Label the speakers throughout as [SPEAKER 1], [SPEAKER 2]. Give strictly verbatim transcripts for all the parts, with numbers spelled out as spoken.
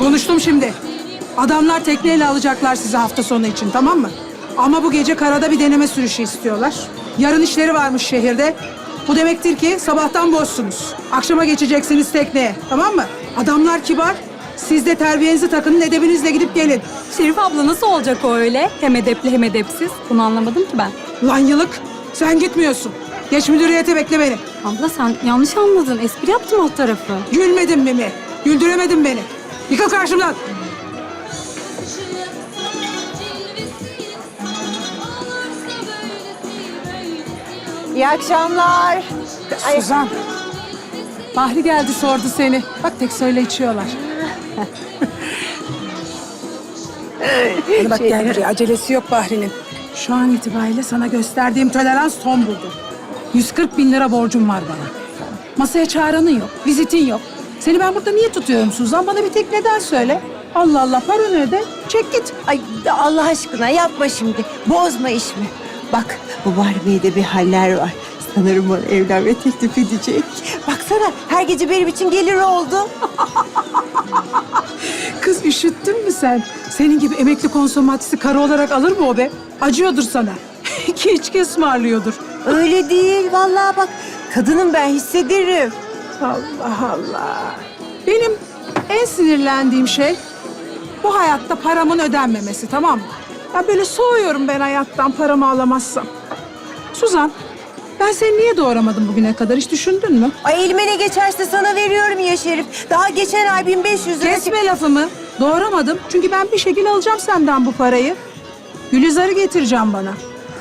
[SPEAKER 1] Konuştum şimdi. Adamlar tekneyle alacaklar sizi hafta sonu için, tamam mı? Ama bu gece karada bir deneme sürüşü istiyorlar. Yarın işleri varmış şehirde. Bu demektir ki sabahtan boşsunuz. Akşama geçeceksiniz tekneye, tamam mı? Adamlar kibar. Siz de terbiyenizi takının, edebinizle gidip gelin.
[SPEAKER 2] Şerif abla nasıl olacak o öyle? Hem edepli hem edepsiz. Bunu anlamadım ki ben.
[SPEAKER 1] Lan yılık, sen gitmiyorsun. Geç müdüriyete, bekle beni.
[SPEAKER 2] Abla sen yanlış anladın. Espri yaptım alt tarafı.
[SPEAKER 1] Gülmedin Mimi. Güldüremedin beni. Yıkıl karşımdan.
[SPEAKER 3] İyi akşamlar.
[SPEAKER 1] Suzan. Bahri geldi, sordu seni. Bak tek söyle içiyorlar. Hadi bak gel buraya. Acelesi yok Bahri'nin. Şu an itibariyle sana gösterdiğim tolerans son buldu. yüz kırk bin lira borcum var bana. Masaya çağıranın yok, vizitin yok. Seni ben burada niye tutuyorum Suzan? Bana bir tek neden söyle. Allah Allah, paranı öde, çek git.
[SPEAKER 3] Ay Allah aşkına yapma şimdi. Bozma işimi. Bak bu Bahri Bey'de bir haller var. Sanırım bana evlenme teklif edecek. Baksana her gece benim için gelir oldu.
[SPEAKER 1] Kız üşüttün mü sen? Senin gibi emekli konsomatisi karı olarak alır mı o be? Acıyordur sana. İki içki ısmarlıyordur.
[SPEAKER 3] Öyle değil vallahi bak. Kadınım ben hissederim.
[SPEAKER 1] Allah Allah. Benim en sinirlendiğim şey bu hayatta paramın ödenmemesi, tamam mı? Ya böyle soğuyorum ben hayattan paramı alamazsam. Suzan, ben seni niye doğuramadım bugüne kadar, hiç düşündün mü?
[SPEAKER 3] Ay elime ne geçerse sana veriyorum ya Şerif. Daha geçen ay bin beş yüz lira...
[SPEAKER 1] Kesme lafımı. Doğuramadım çünkü ben bir şekilde alacağım senden bu parayı. Gülizar'ı getireceğim bana.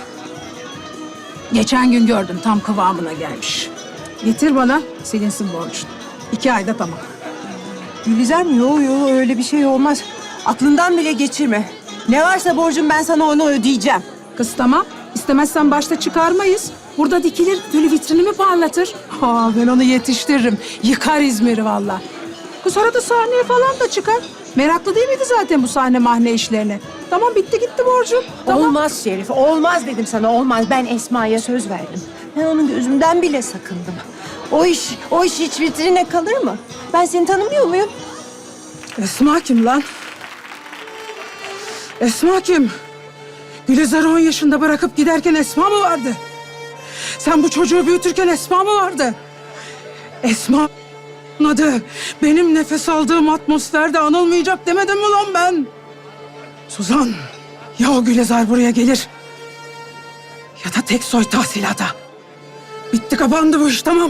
[SPEAKER 1] Geçen gün gördüm, tam kıvamına gelmiş. Getir bana, silinsin borcun. İki ayda tamam.
[SPEAKER 3] Gülizar mı? Yok yok öyle bir şey olmaz. Aklından bile geçirme. Ne varsa borcum ben sana onu ödeyeceğim.
[SPEAKER 1] Kız tamam. İstemezsen başta çıkarmayız. Burada dikilir, böyle vitrinimi parlatır. Ha, ben onu yetiştiririm. Yıkar İzmir'i vallahi. Kız arada sahneye falan da çıkar. Meraklı değil miydi zaten bu sahne mahne işlerine? Tamam, bitti gitti borcum. Tamam.
[SPEAKER 3] Olmaz Şerif, olmaz dedim sana, olmaz. Ben Esma'ya söz verdim. Ben onun gözümden bile sakındım. O iş, o iş hiç vitrine kalır mı? Ben seni tanımıyor muyum?
[SPEAKER 1] Esma kim lan? Esma kim? Gülizar'ı on yaşında bırakıp giderken Esma mı vardı? Sen bu çocuğu büyütürken Esma mı vardı? Esma adı benim nefes aldığım atmosferde anılmayacak demedim mi lan ben? Suzan, ya o Gülizar buraya gelir ya da tek soy tahsilata. Bitti, kapandı bu iş, tamam.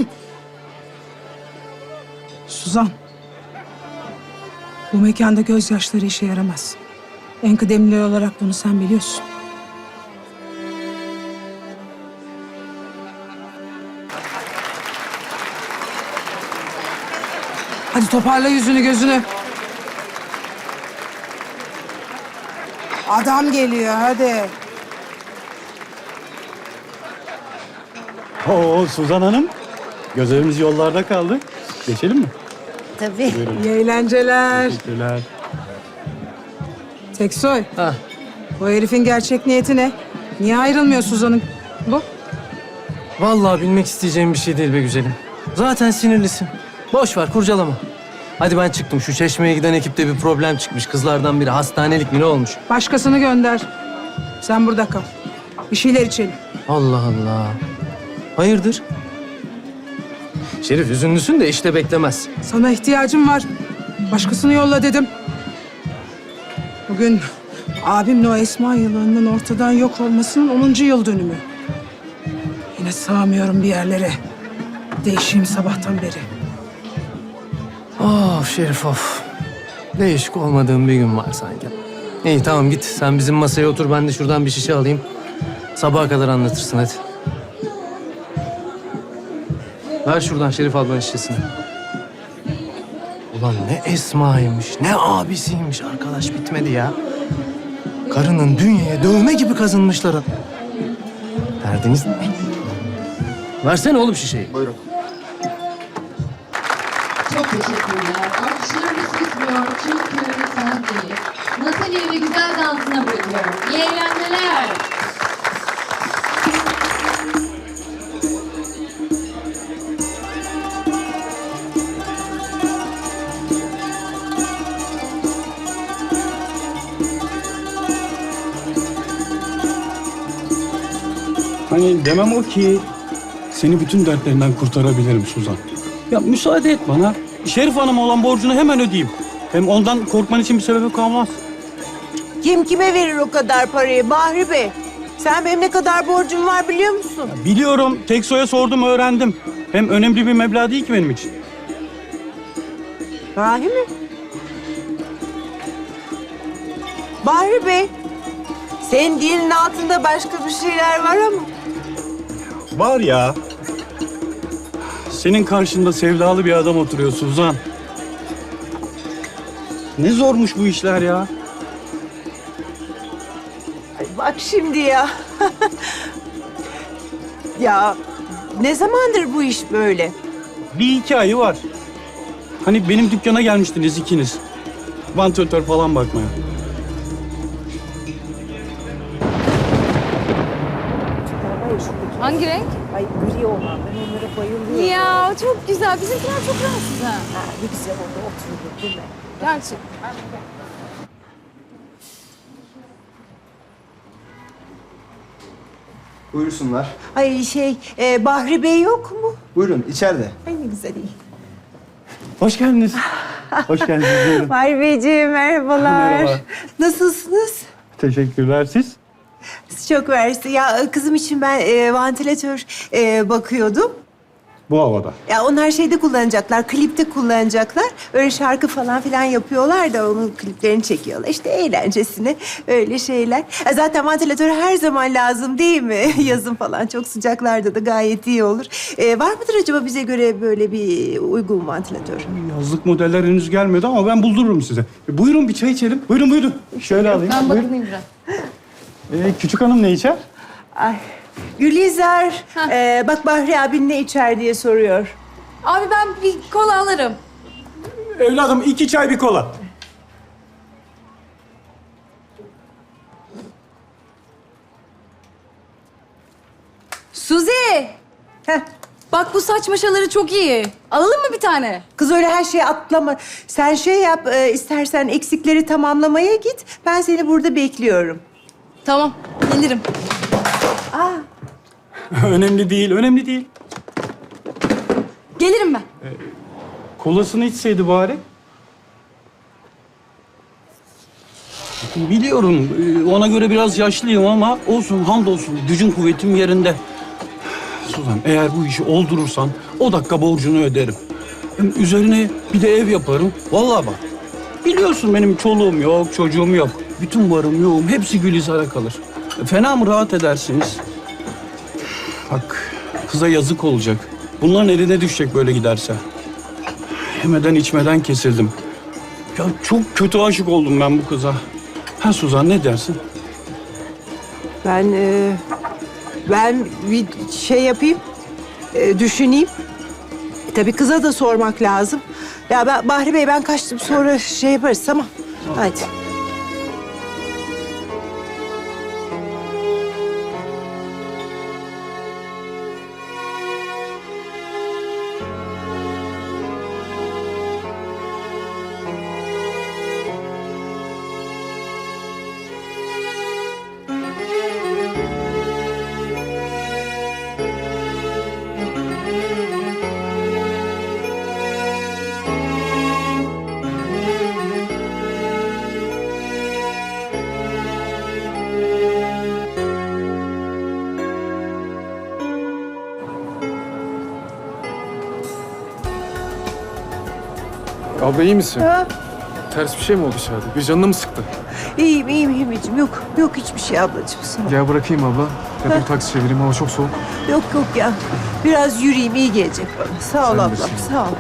[SPEAKER 1] Suzan, bu mekanda gözyaşları işe yaramaz. En kıdemli olarak bunu sen biliyorsun. Hadi toparla yüzünü gözünü. Adam geliyor, hadi.
[SPEAKER 4] Oo Suzan Hanım, gözlerimiz yollarda kaldı. Geçelim mi?
[SPEAKER 3] Tabii.
[SPEAKER 4] Buyurun.
[SPEAKER 1] İyi eğlenceler.
[SPEAKER 4] Teşekkürler.
[SPEAKER 1] Teksoy,
[SPEAKER 5] Ha.
[SPEAKER 1] bu herifin gerçek niyeti ne? Niye ayrılmıyor Suzan'ın? Bu?
[SPEAKER 5] Vallahi bilmek isteyeceğim bir şey değil be güzelim. Zaten sinirlisin. Boş ver, kurcalama. Hadi ben çıktım. Şu Çeşme'ye giden ekipte bir problem çıkmış. Kızlardan biri hastanelik mi ne olmuş?
[SPEAKER 1] Başkasını gönder. Sen burada kal. Bir şeyler içelim.
[SPEAKER 5] Allah Allah. Hayırdır? Şerif üzünlüsün de işte beklemez.
[SPEAKER 1] Sana ihtiyacım var. Başkasını yolla dedim. Bugün abimle o Esma yılanının ortadan yok olmasının onuncu yıl dönümü. Yine sığamıyorum bir yerlere. Değişeyim sabahtan beri.
[SPEAKER 5] Of Şerif of. Değişik olmadığım bir gün var sanki. İyi tamam git. Sen bizim masaya otur. Ben de şuradan bir şişe alayım. Sabaha kadar anlatırsın hadi. Ver şuradan Şerif ablanın şişesini. Ulan ne Esma'ymış, ne abisiymiş arkadaş, bitmedi ya. Karının dünyaya dövme gibi kazınmışlar. Derdiniz ne? Versene oğlum şişeyi. Buyurun.
[SPEAKER 6] Çok teşekkürler. Alkışlarımız bitmiyor çünkü sahneyi Natalie ve güzel dansına bırakıyorum. İyi eğlenceler.
[SPEAKER 4] Hani demem o ki seni bütün dertlerinden kurtarabilirim Suzan. Ya müsaade et bana. Şerif Hanım'a olan borcunu hemen ödeyeyim. Hem ondan korkman için bir sebebi kalmaz.
[SPEAKER 3] Kim kime verir o kadar parayı Bahri Bey? Sen benim ne kadar borcum var biliyor musun?
[SPEAKER 4] Biliyorum. Tekso'ya sordum, öğrendim. Hem önemli bir meblağ değil ki benim için.
[SPEAKER 3] Bahri mi? Bahri Bey, senin dilin altında başka bir şeyler var ama.
[SPEAKER 4] Var ya. Senin karşında sevdalı bir adam oturuyor Suzan. Ne zormuş bu işler ya.
[SPEAKER 3] Ay bak şimdi ya. Ya ne zamandır bu iş böyle?
[SPEAKER 4] Bir iki ayı var. Hani benim dükkana gelmiştiniz ikiniz. Vantilatör falan bakmaya.
[SPEAKER 2] Hangi renk?
[SPEAKER 3] Ay gri olan, ben onlara bayılıyorum.
[SPEAKER 2] Ya çok güzel. Bizimkiler çok rahatsız ha.
[SPEAKER 3] Ha, ne güzel oldu oturdu değil mi?
[SPEAKER 2] Gerçek.
[SPEAKER 7] Buyursunlar.
[SPEAKER 3] Ay şey, e, Bahri Bey yok mu?
[SPEAKER 7] Buyurun içeride.
[SPEAKER 3] Ay ne güzel iyi.
[SPEAKER 4] Hoş geldiniz. Hoş geldiniz. Buyurun.
[SPEAKER 3] Bahri Beyciğim merhabalar.
[SPEAKER 4] Merhaba.
[SPEAKER 3] Nasılsınız?
[SPEAKER 4] Teşekkürler siz.
[SPEAKER 3] Çok mersi. Ya kızım için ben e, vantilatör e, bakıyordum.
[SPEAKER 4] Bu havada.
[SPEAKER 3] Ya onlar şeyde kullanacaklar, klipte kullanacaklar. Öyle şarkı falan filan yapıyorlar da onun kliplerini çekiyorlar. İşte eğlencesine öyle şeyler. Ya zaten vantilatör her zaman lazım değil mi? Yazın falan çok sıcaklarda da gayet iyi olur. Ee, var mıdır acaba bize göre böyle bir uygun vantilatör?
[SPEAKER 4] Yazlık modeller henüz gelmedi ama ben buldururum size. E, buyurun bir çay içelim. Buyurun buyurun. Şöyle alayım.
[SPEAKER 2] Ben
[SPEAKER 4] Buyurun.
[SPEAKER 2] bakayım biraz.
[SPEAKER 4] Ee, küçük hanım ne içer?
[SPEAKER 3] Ay. Gülizar, ee, bak Bahri abin ne içer diye soruyor.
[SPEAKER 2] Abi ben bir kola alırım.
[SPEAKER 4] Evladım iki çay bir kola.
[SPEAKER 2] Suzi!
[SPEAKER 3] Heh.
[SPEAKER 2] Bak bu saç maşaları çok iyi. Alalım mı bir tane?
[SPEAKER 3] Kız öyle her şeye atlama. Sen şey yap, e, istersen eksikleri tamamlamaya git. Ben seni burada bekliyorum.
[SPEAKER 2] Tamam, gelirim.
[SPEAKER 4] Önemli değil, önemli değil.
[SPEAKER 2] Gelirim ben.
[SPEAKER 4] Kolasını içseydi bari. Biliyorum, e, ona göre biraz yaşlıyım ama olsun, hamdolsun. Gücün kuvvetim yerinde. Suzan, eğer bu işi oldurursan o dakika borcunu öderim. Hem üzerine bir de ev yaparım. Vallahi bak, biliyorsun benim çoluğum yok, çocuğum yok. Bütün varım yoğum, hepsi Gülizar'a kalır. E, Fena mı rahat edersiniz? Bak, kıza yazık olacak. Bunların eline düşecek böyle giderse. Yemeden içmeden kesildim. Ya çok kötü aşık oldum ben bu kıza. Ha Suzan, ne dersin?
[SPEAKER 3] Ben e, ben bir şey yapayım, e, düşüneyim. E, tabii kıza da sormak lazım. Ya ben Bahri Bey ben kaçtım sonra şey yaparız tamam. Hadi.
[SPEAKER 8] Abla iyi misin?
[SPEAKER 3] Ha,
[SPEAKER 8] Ters bir şey mi oldu dışarıda? Bir canını mı sıktı?
[SPEAKER 3] iyiyim iyiyim Himeciğim. Yok yok hiçbir şey ablacığım. Sağ ol.
[SPEAKER 8] Gel bırakayım abla. Ya da bir taksi çevireyim. Hava çok soğuk.
[SPEAKER 3] Yok yok ya. Biraz yürüyeyim iyi gelecek bana. Sağ ol
[SPEAKER 8] Sen
[SPEAKER 3] ablam
[SPEAKER 8] misin?
[SPEAKER 3] sağ ol.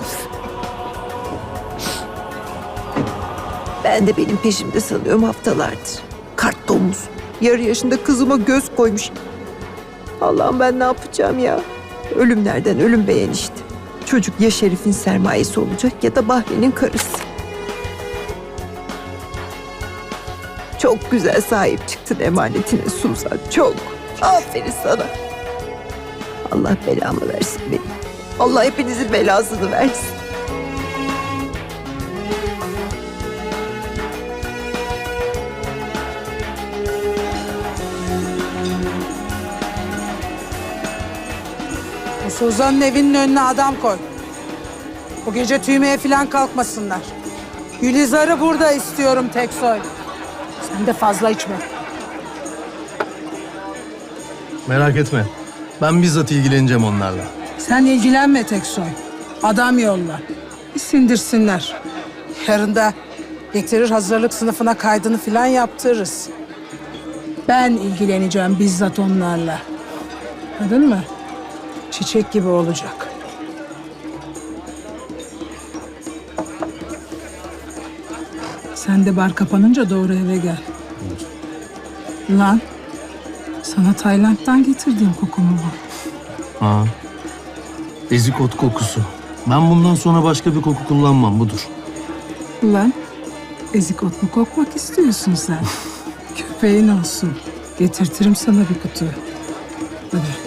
[SPEAKER 3] Ben de benim peşimde sanıyorum haftalardır. Kart domuz. Yarı yaşında kızıma göz koymuş. Allah'ım ben ne yapacağım ya? Ölümlerden ölüm beğen işte. Çocuk ya Şerif'in sermayesi olacak ya da Bahri'nin karısı. Çok güzel sahip çıktın emanetine Suzan. Çok. Aferin sana. Allah belamı versin benim. Allah hepinizin belasını versin.
[SPEAKER 1] Suzan'ın evinin önüne adam koy. Bu gece tüymeye falan kalkmasınlar. Gülizar'ı burada istiyorum Teksoy. Sen de fazla içme.
[SPEAKER 5] Merak etme. Ben bizzat ilgileneceğim onlarla.
[SPEAKER 1] Sen ilgilenme Teksoy. Adam yolla. Bir sindirsinler. Yarın da getirir hazırlık sınıfına kaydını falan yaptırırız. Ben ilgileneceğim bizzat onlarla. Anladın mı? Çiçek gibi olacak. Sen de bar kapanınca doğru eve gel. Lan, sana Tayland'dan getirdiğim kokumu bu.
[SPEAKER 5] Ha. Ezik ot kokusu. Ben bundan sonra başka bir koku kullanmam, budur.
[SPEAKER 1] Ulan, ezik ot mu kokmak istiyorsun sen? Köpeğin olsun. Getirtirim sana bir kutu. Hadi.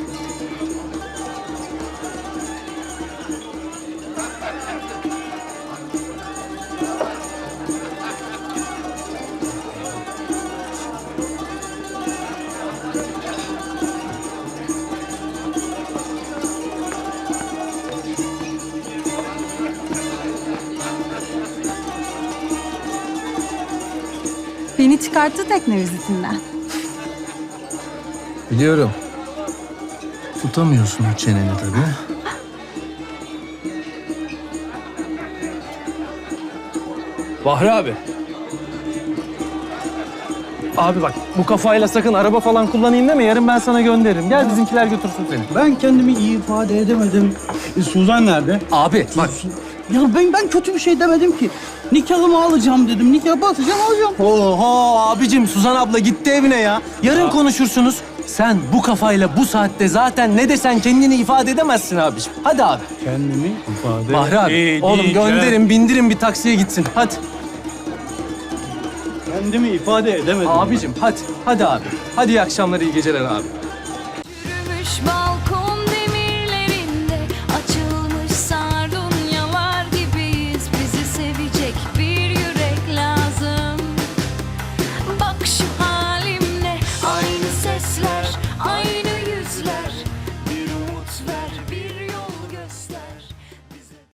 [SPEAKER 2] Beni çıkarttı tekne vizitinden.
[SPEAKER 5] Biliyorum. Tutamıyorsun o çeneni tabii.
[SPEAKER 8] Bahri abi. Abi bak bu kafayla sakın araba falan kullanayım deme. Yarın ben sana gönderirim. Gel bizimkiler götürsün seni.
[SPEAKER 4] Ben kendimi iyi ifade edemedim. E, Suzan nerede?
[SPEAKER 8] Abi bak.
[SPEAKER 4] Ya ben ben kötü bir şey demedim ki. Nikahımı alacağım dedim. Nikah basacağım alacağım.
[SPEAKER 5] Oho abicim, Suzan abla gitti evine ya. Yarın konuşursunuz. Sen bu kafayla bu saatte zaten ne desen kendini ifade edemezsin abicim. Hadi abi.
[SPEAKER 4] Kendimi ifade
[SPEAKER 5] Bahri abi,
[SPEAKER 4] edeceğim.
[SPEAKER 5] oğlum gönderin, bindirin bir taksiye gitsin. Hadi.
[SPEAKER 4] Kendimi ifade edemedim.
[SPEAKER 5] Abicim hadi, hadi abi. Hadi iyi akşamlar, iyi geceler abi.
[SPEAKER 9] Yürümüş bal